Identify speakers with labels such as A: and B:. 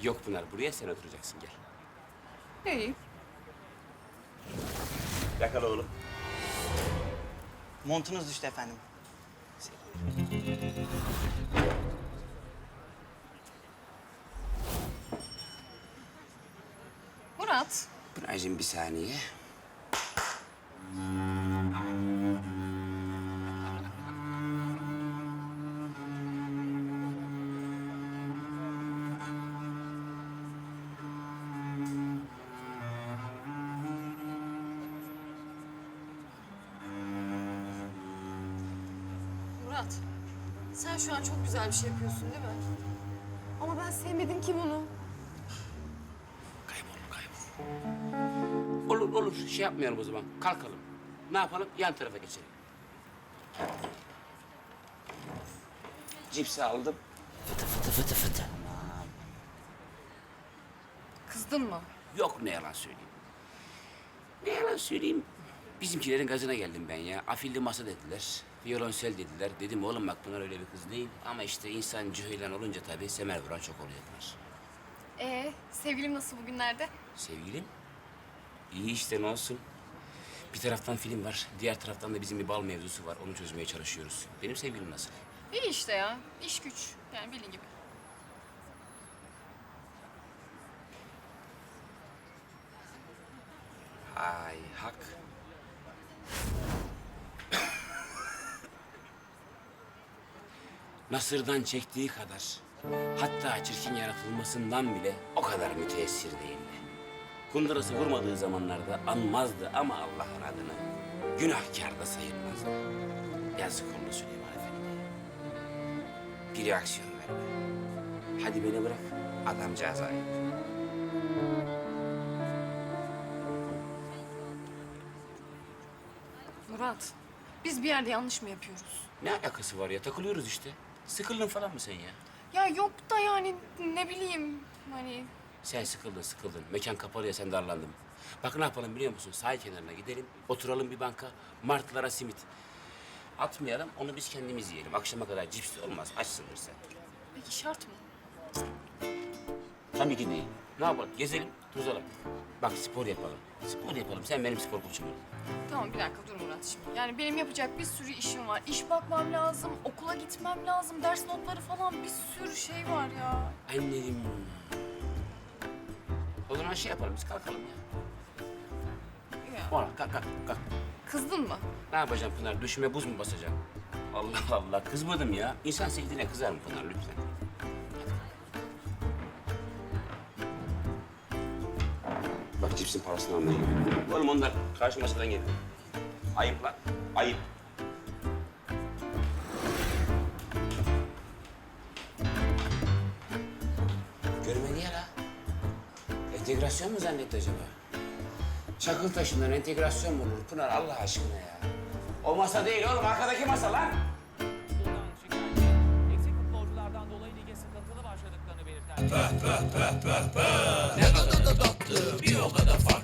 A: Yok Pınar, buraya sen oturacaksın, gel.
B: İyi.
A: Yakala oğlum.
C: Montunuz düştü efendim.
B: Murat,
A: Pınar'cığım bir saniye.
B: Murat. Sen şu an çok güzel bir şey yapıyorsun değil mi? Ama ben sevmedim ki bunu.
A: Kaybol. Olur, olur. Şey yapmayalım o zaman. Kalkalım. Ne yapalım? Yan tarafa geçelim. Cipsi aldım. Fıtı fıtı fıtı fıtı.
B: Kızdın mı?
A: Yok, ne yalan söyleyeyim. Ne yalan söyleyeyim. Bizimkilerin gazına geldim ben ya. Afilli masa dediler. Violonsel dediler. Dedim oğlum bak Pınar öyle bir kız değil. Ama işte insan cüheylan olunca tabii semer vuran çok oluyor Pınar.
B: Sevgilim nasıl bugünlerde?
A: Sevgilim? İyi işte, ne olsun. Bir taraftan film var, diğer taraftan da bizim bir bal mevzusu var. Onu çözmeye çalışıyoruz. Benim sevgilim nasıl?
B: İyi işte ya. İş güç. Yani bildiğin gibi.
A: Ay hak. Nasır'dan çektiği kadar, hatta çirkin yaratılmasından bile o kadar müteessir değildi. Kundurası vurmadığı zamanlarda anmazdı ama Allah'ın adını günahkar da sayılmazdı. Yazık oldu Süleyman Efendi. Bir reaksiyon verme. Hadi beni bırak, adamcağız ayıp.
B: Murat, biz bir yerde yanlış mı yapıyoruz?
A: Ne alakası var ya? Takılıyoruz işte. Sıkıldın falan mı sen ya?
B: Ya yok da yani ne bileyim hani...
A: Sen sıkıldın. Mekan kapalı ya, sen darlandın. Bak ne yapalım biliyor musun? Sahil kenarına gidelim, oturalım bir banka, martılara simit. Atmayalım, onu biz kendimiz yiyelim. Akşama kadar cips de olmaz, açsındır sen.
B: Peki şart mı?
A: Tabii ki değil. Ne yapalım? Gezelim, tozalım. Bak spor yapalım. Spor yapalım, sen benim spor koçum ol.
B: Tamam bir dakika dur Murat şimdi. Yani benim yapacak bir sürü işim var. İş bakmam lazım, okula gitmem lazım, ders notları falan bir sürü şey var ya.
A: Annem. O zaman şey yapalım, biz kalkalım ya.
B: Ya.
A: Oğlum kalk.
B: Kızdın mı?
A: Ne yapacağım Pınar? Düşüme buz mu basacaksın? Allah Allah, kızmadım ya. İnsan sevdiğine kızar mı Pınar lütfen? Bak cipsin parasını almaya gidiyorum. Oğlum onlar karşı masadan geliyor. Ayıp lan, ayıp. Görmedi ya la. Entegrasyon mu zannetti acaba? Çakıl taşından entegrasyon mu olur Pınar Allah aşkına ya? O masa değil oğlum, arkadaki masa lan.
D: Futboldan şikayetçi. Eksik futbolculardan dolayı lige sıkıntılı başladıklarını belirten.
E: Ne kadar da tatlı, bir o kadar farklı.